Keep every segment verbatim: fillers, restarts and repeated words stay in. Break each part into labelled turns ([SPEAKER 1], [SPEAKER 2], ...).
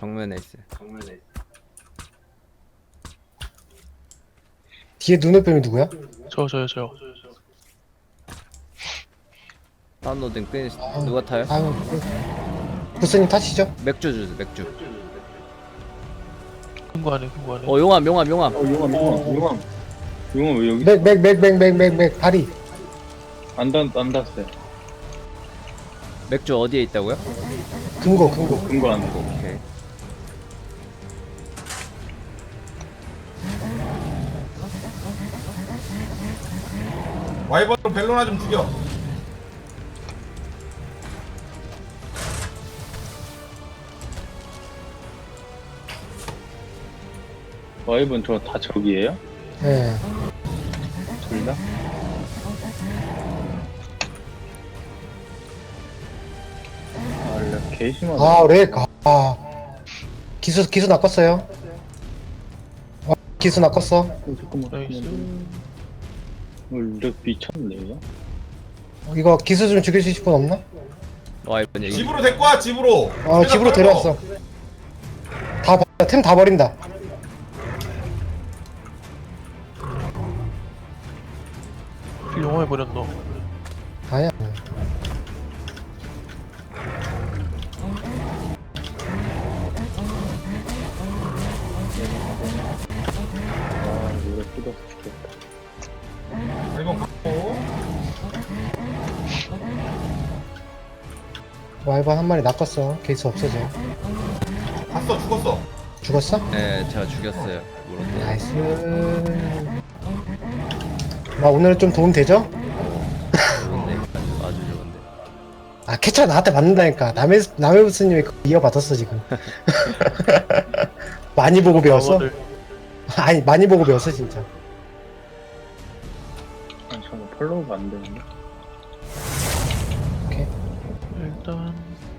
[SPEAKER 1] 정면에 있어요. 정면에.
[SPEAKER 2] 뒤에 눈을 빼면 누구야?
[SPEAKER 3] 저 저요 저요.
[SPEAKER 1] 다운로딩 끝. 누가 타요?
[SPEAKER 2] 아유, 부스님 타시죠?
[SPEAKER 1] 맥주 주세요. 맥주.
[SPEAKER 3] 큰 거 안에 큰 거 안에.
[SPEAKER 1] 어 용암 용암 용암.
[SPEAKER 4] 어 용암 용암 용암 용암 왜 여기
[SPEAKER 2] 맥, 맥, 맥, 맥, 맥, 맥, 맥, 다리.
[SPEAKER 4] 안 닿, 안 닿았어요.
[SPEAKER 1] 맥주 어디에 있다고요?
[SPEAKER 2] 금고, 금고.
[SPEAKER 4] 근거 안 고.
[SPEAKER 1] 오케이.
[SPEAKER 5] 와이번으로 벨로나 좀 죽여.
[SPEAKER 4] 와이번 저 다 적이에요?
[SPEAKER 2] 예.
[SPEAKER 4] 둘 다? 아, 렉 개심하다.
[SPEAKER 2] 아, 렉, 아. 기수, 기수 낚았어요. 어, 기수 낚았어.
[SPEAKER 4] 어, 잠깐만.
[SPEAKER 3] 나이스.
[SPEAKER 4] 어, 렉 미쳤네, 이거?
[SPEAKER 2] 어, 이거 기수 좀 죽여주실 분 없나?
[SPEAKER 1] 와 이번 얘기.
[SPEAKER 5] 집으로 데리고 와, 집으로.
[SPEAKER 2] 어, 집으로 데려왔어. 다, 템 다 버린다.
[SPEAKER 3] 영화에 버렸노.
[SPEAKER 2] 아니야.
[SPEAKER 4] 아, 노래 뜯어서 죽겠다.
[SPEAKER 5] 와이번 갖고.
[SPEAKER 2] 와이번 한 마리 낚았어. 케이스 없어져.
[SPEAKER 5] 갔어, 죽었어.
[SPEAKER 2] 죽었어?
[SPEAKER 1] 네 제가 죽였어요. 물론.
[SPEAKER 2] 나이스. 나 오늘 좀 도움 되죠?
[SPEAKER 1] 좋은데 아주 아주 좋은데.
[SPEAKER 2] 아, 캐쳐 나한테 맞는다니까. 남의, 남의 부스님이 그거 이어받았어, 지금. 많이 보고 배웠어?
[SPEAKER 3] 영화들.
[SPEAKER 2] 아니, 많이 보고 배웠어, 진짜.
[SPEAKER 4] 아니, 잠깐 팔로우가 안 되는데?
[SPEAKER 2] 오케이.
[SPEAKER 3] 일단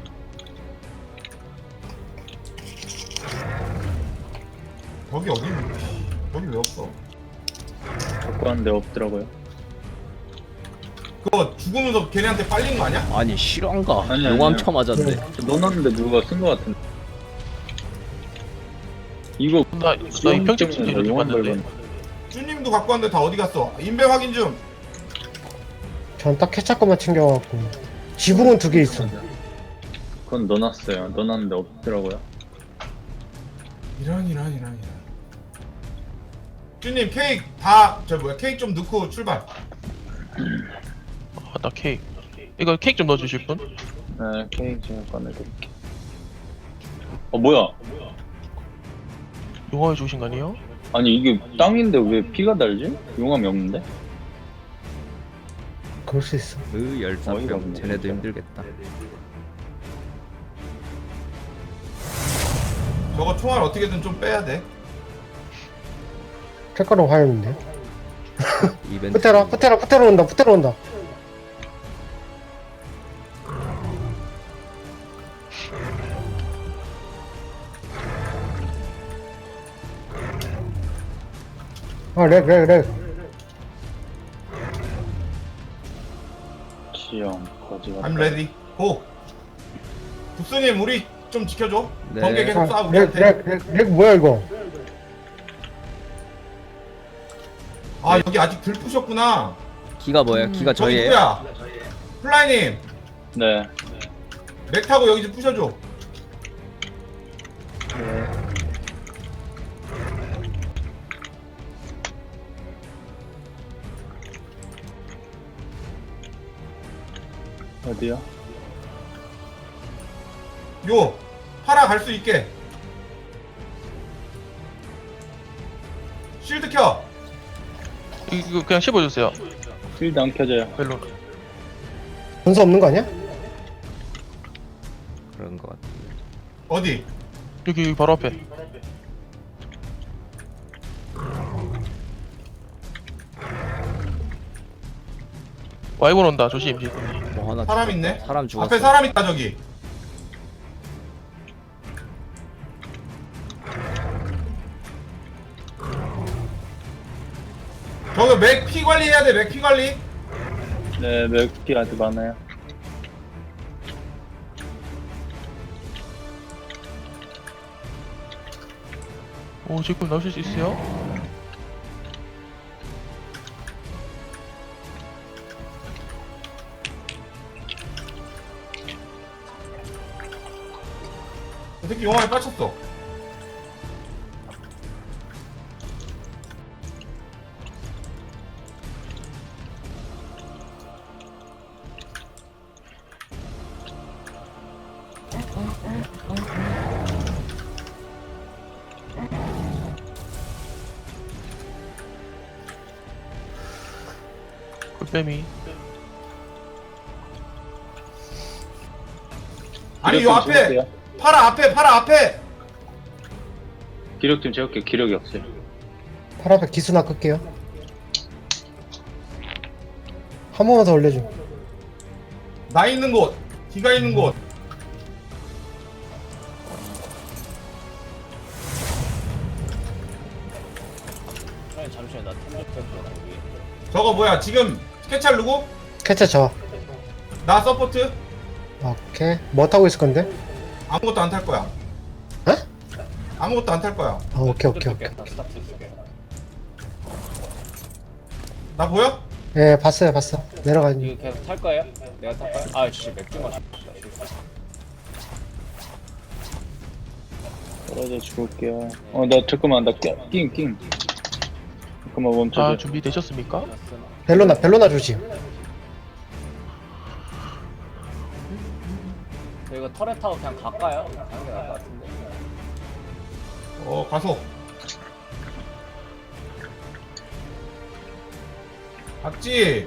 [SPEAKER 5] 거기 어디 있는 거야? 거기 왜 없어?
[SPEAKER 4] 적고 하는데 없더라고요.
[SPEAKER 5] 그거 죽으면서 걔네한테 빨린 거 아니야?
[SPEAKER 1] 아니 실화인가?
[SPEAKER 4] 아니,
[SPEAKER 1] 용암
[SPEAKER 4] 아니야.
[SPEAKER 1] 쳐맞았네.
[SPEAKER 4] 넣어놨는데 누가 쓴 거 같은데. 이거
[SPEAKER 3] 나나 이평집 친지를 좀
[SPEAKER 4] 용암
[SPEAKER 3] 봤는데.
[SPEAKER 4] 밟은.
[SPEAKER 5] 쭈님도 갖고 왔는데 다 어디 갔어? 인벤 확인 좀.
[SPEAKER 2] 전 딱 캐쳐 것만 챙겨갖고. 지붕은 두 개 있어.
[SPEAKER 4] 그건 넣어놨어요. 넣어놨는데 없더라고요.
[SPEAKER 5] 이런 이런 이런 이런. 쭈님 케이크 다 저 뭐야 케이크 좀 넣고 출발.
[SPEAKER 3] 아나 케이크. 이거 케이크 좀 넣어주실 분?
[SPEAKER 4] 네, 케이크 제가 꺼내드릴게요. 어, 뭐야?
[SPEAKER 3] 영화에 주신 거 아니에요?
[SPEAKER 4] 아니, 이게 땅인데 왜 피가 달지? 용암이 없는데?
[SPEAKER 2] 그럴 수 있어.
[SPEAKER 1] 으
[SPEAKER 4] 어이가
[SPEAKER 1] 열사병.
[SPEAKER 4] 없네,
[SPEAKER 1] 쟤네도
[SPEAKER 4] 진짜.
[SPEAKER 1] 힘들겠다.
[SPEAKER 5] 저거 총알 어떻게든 좀 빼야 돼.
[SPEAKER 2] 색깔은 화염인데.
[SPEAKER 1] 이벤트.
[SPEAKER 2] 푸테라, 푸테라, 푸테라 온다, 푸테라 온다. 아, 렉, 렉, 렉.
[SPEAKER 4] 지형, 거지 같다.
[SPEAKER 5] I'm ready. 고. 국수님 우리 좀 지켜줘.
[SPEAKER 1] 네.
[SPEAKER 5] 번개 계속 쏴
[SPEAKER 2] 아, 렉,
[SPEAKER 5] 우리한테.
[SPEAKER 2] 렉, 렉, 렉 뭐야, 이거?
[SPEAKER 5] 아 여기 아직 덜 부셨구나.
[SPEAKER 1] 기가 뭐야? 기가
[SPEAKER 5] 저기
[SPEAKER 1] 저희예요?
[SPEAKER 5] 누구야? 플라이님
[SPEAKER 4] 네.
[SPEAKER 5] 맥 타고 여기 좀 부셔줘.
[SPEAKER 4] 네. 어디야?
[SPEAKER 5] 요 파라 갈 수 있게. 쉴드 켜.
[SPEAKER 3] 이거 그냥 씹어주세요.
[SPEAKER 4] 필드 안 켜져요.
[SPEAKER 3] 멜론.
[SPEAKER 2] 분수 없는 거 아니야?
[SPEAKER 1] 그런 것 같은데.
[SPEAKER 5] 어디?
[SPEAKER 3] 여기 여기 바로 앞에. 와이번 온다. 조심.
[SPEAKER 1] 뭐 하나
[SPEAKER 5] 사람
[SPEAKER 1] 죽었다.
[SPEAKER 5] 있네.
[SPEAKER 1] 사람 죽었어.
[SPEAKER 5] 앞에 사람 있다 저기. 저기 맥 피 관리해야 돼. 맥 피 관리.
[SPEAKER 4] 네, 몇 개 아주 많아요.
[SPEAKER 3] 오 제꿀 나오실 수 있어요?
[SPEAKER 5] 저 새끼 용암에 빠졌어.
[SPEAKER 3] 꿀뱀이.
[SPEAKER 5] 아니 요
[SPEAKER 4] 기력 좀
[SPEAKER 5] 앞에
[SPEAKER 4] 채울게요.
[SPEAKER 5] 파라 앞에 파라 앞에.
[SPEAKER 4] 기력 좀 채울게요. 기력이 없어요.
[SPEAKER 2] 팔 앞에 기수나 끌게요. 한 번만 더 올려줘.
[SPEAKER 5] 나 있는 곳, 기가 있는 곳.
[SPEAKER 1] 잠시만 나 템좀 뺄게.
[SPEAKER 5] 저거 뭐야 지금 스케치할 누구?
[SPEAKER 2] 캐쳐 저.
[SPEAKER 5] 나 서포트.
[SPEAKER 2] 오케이. 뭐 타고 있을 건데?
[SPEAKER 5] 아무것도 안 탈 거야.
[SPEAKER 2] 에?
[SPEAKER 5] 아무것도 안 탈 거야.
[SPEAKER 2] 아, 오케이, 오케이, 오케이.
[SPEAKER 5] 나 보여?
[SPEAKER 2] 예, 봤어요, 봤어. 내려가니.
[SPEAKER 1] 이거 계속 탈 거예요? 내가 탈까요? 아, 씨, 맥주 마시.
[SPEAKER 4] 떨어져 죽을게요. 어, 나 잠깐만, 나 낑, 낑, 낑. 잠깐만
[SPEAKER 3] 자
[SPEAKER 4] 멈춰줘.
[SPEAKER 3] 준비되셨습니까?
[SPEAKER 2] 벨로나, 벨로나 조심.
[SPEAKER 1] 저 이거 터렛 타고 그냥 갈까요? 가는 게 나을 것 같은데.
[SPEAKER 5] 어 가서. 봤지?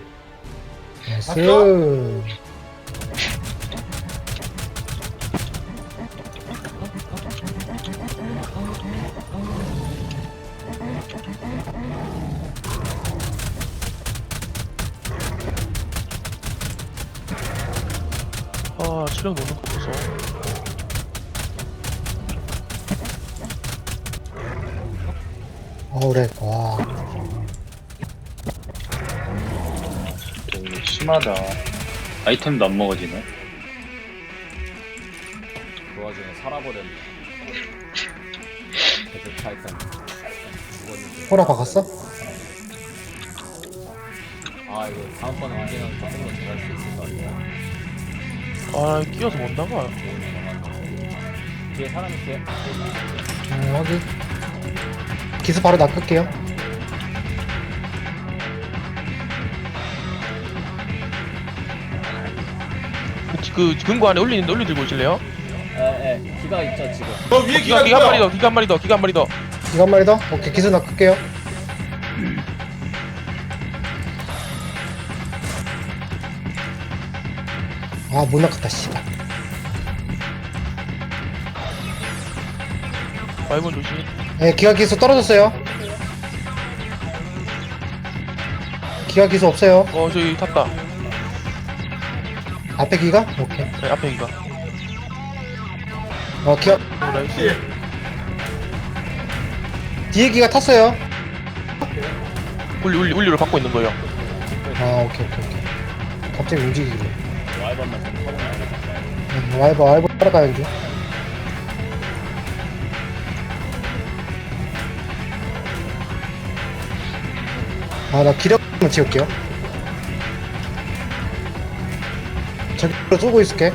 [SPEAKER 2] 나이스.
[SPEAKER 3] 아 체력 노는 거 보소.
[SPEAKER 2] 어우, 그래. 와.
[SPEAKER 4] 되게 심하다. 아이템도 안 먹어지네.
[SPEAKER 1] 그 와중에 살아버렸네. 계속 타이탄. 죽었는데.
[SPEAKER 2] 호라 박았어?
[SPEAKER 1] 아, 이거 다음번에 언제나 조금 더 잘할 수 있을 것 같아요.
[SPEAKER 3] 아 끼어서 못 나가.
[SPEAKER 1] 뒤에 사람 있어요?
[SPEAKER 2] 음, 확인. 기수 바로 낚을게요.
[SPEAKER 3] 그, 그 금고 안에 올리는데 올리 들고 오실래요?
[SPEAKER 1] 에, 에, 기가 있죠, 지금.
[SPEAKER 5] 저 위에
[SPEAKER 3] 기가
[SPEAKER 5] 기가
[SPEAKER 3] 기가 한 마리
[SPEAKER 5] 있어요.
[SPEAKER 3] 더 기가 한 마리 더 기가 한 마리 더.
[SPEAKER 2] 이거 한 마리 더? 오케이, 기수 낚을게요. 아, 못 낚았다, 씨발.
[SPEAKER 3] 와이번 조심.
[SPEAKER 2] 예, 기가 기수 떨어졌어요. 기가 기수 없어요.
[SPEAKER 3] 어 저기 탔다.
[SPEAKER 2] 앞에 기가? 오케이.
[SPEAKER 3] 네, 앞에 기가.
[SPEAKER 2] 어, 기가,
[SPEAKER 3] 오, 나이스.
[SPEAKER 5] 예.
[SPEAKER 2] 뒤에 기가 탔어요.
[SPEAKER 3] 울리 울리 울리를 받고 있는 거예요.
[SPEAKER 2] 아, 오케이, 오케이, 오케이. 갑자기 움직이길래.
[SPEAKER 1] 와이번만 좀 터보면
[SPEAKER 2] 음, 와이버, 와이버 따라가는 중. 아, 나 기력 한번 지울게요. 저기로 쏘고 있을게.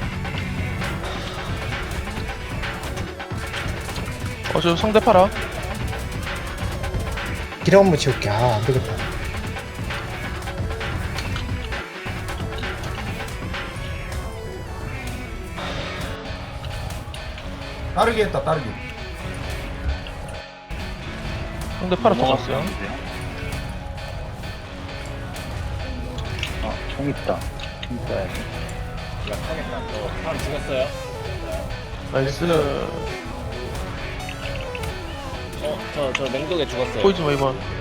[SPEAKER 3] 어 저 상대 팔아.
[SPEAKER 2] 기력 한번 지울게. 아, 안 되겠다.
[SPEAKER 5] 따르기 했다 따르기.
[SPEAKER 3] 상대 팔아 터졌어요.
[SPEAKER 4] 아, 총 있다. 총 써야지.
[SPEAKER 1] 약하겠다. 저 사람 죽였어요.
[SPEAKER 3] 나이스.
[SPEAKER 1] 어, 저, 저 맹독에 죽었어요.
[SPEAKER 3] 보이지 마 이번.